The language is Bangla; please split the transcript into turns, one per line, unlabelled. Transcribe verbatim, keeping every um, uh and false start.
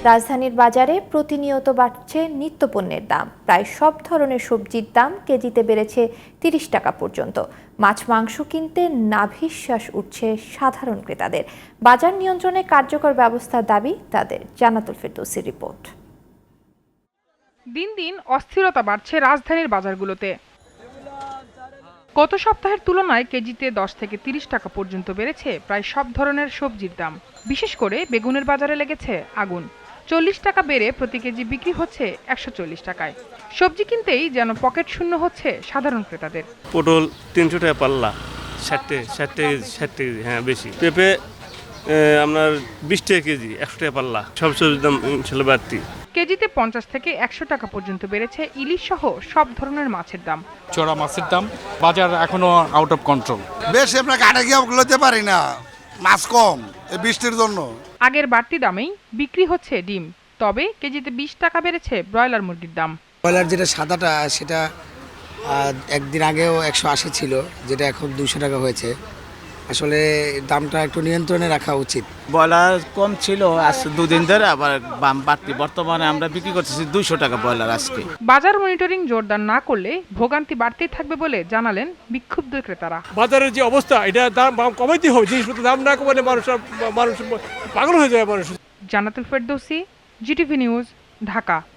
রাজধানীর বাজারে প্রতিনিয়ত বাড়ছে নিত্যপণ্যের দাম। প্রায় সব ধরনের সবজির দাম কেজিতে বেড়েছে তিরিশ টাকা পর্যন্ত। মাছ মাংস কিনতে নাভিশ্বাস উঠছে সাধারণ ক্রেতাদের। বাজার নিয়ন্ত্রণে কার্যকর ব্যবস্থার দাবি তাদের। জান্নাতুল ফেরদৌসীর রিপোর্ট।
দিন দিন অস্থিরতা বাড়ছে রাজধানীর বাজারগুলোতে। গত সপ্তাহের তুলনায় কেজিতে দশ থেকে তিরিশ টাকা পর্যন্ত বেড়েছে প্রায় সব ধরনের সবজির দাম। বিশেষ করে বেগুনের বাজারে লেগেছে আগুন। চল্লিশ টাকা বেড়ে প্রতি কেজি বিক্রি হচ্ছে একশো চল্লিশ টাকায়। সবজি কিনতেই যেন পকেট শূন্য হচ্ছে সাধারণ ক্রেতাদের।
পটল তিনশো টাকা পাল্লা, ষাটটে ষাটটে কেজি ষাটটে কেজি হ্যাঁ বেশি। পেঁপে আপনার বিশ টাকা কেজি, একশো টাকা পাল্লা। সব সবজির দাম ইনশাল্লাহ বাড়তি।
কেজিতে পঞ্চাশ থেকে একশো টাকা পর্যন্ত বেড়েছে ইলিশ সহ সব ধরনের মাছের দাম।
চড়া মাছের দাম বাজার এখনো আউট অফ কন্ট্রোল।
বেশি আমরা কাটে গিয়ে লইতে পারি না, মাছ কম এই বৃষ্টির জন্য।
আগের বাড়তি দামেই বিক্রি হচ্ছে ডিম, তবে কেজিতে বিশ টাকা বেড়েছে ব্রয়লার মুরগির দাম।
ব্রয়লার যেটা সাদাটা সেটা একদিন আগেও একশো আশি ছিল, যেটা এখন দুশো টাকা হয়েছে। আসলে দামটা একটু নিয়ন্ত্রণে রাখা উচিত।
ব্রয়লার কম ছিল আজ দুদিন ধরে, আবার বাম বাড়তি। বর্তমানে আমরা বিক্রি করতেছি দুইশো টাকা ব্রয়লার আজকে।
বাজার মনিটরিং জোরদার না করলে ভোগান্তি বাড়তেই থাকবে বলে জানালেন বিক্ষুব্ধ ক্রেতারা।
বাজারের যে অবস্থা, এটা দাম কমাইতে হবে। জিনিসপত্রের দাম না কমালে মানুষ মানুষ পাগল হয়ে যায় মানুষ।
Jannatul Ferdousi, GTV news, Dhaka.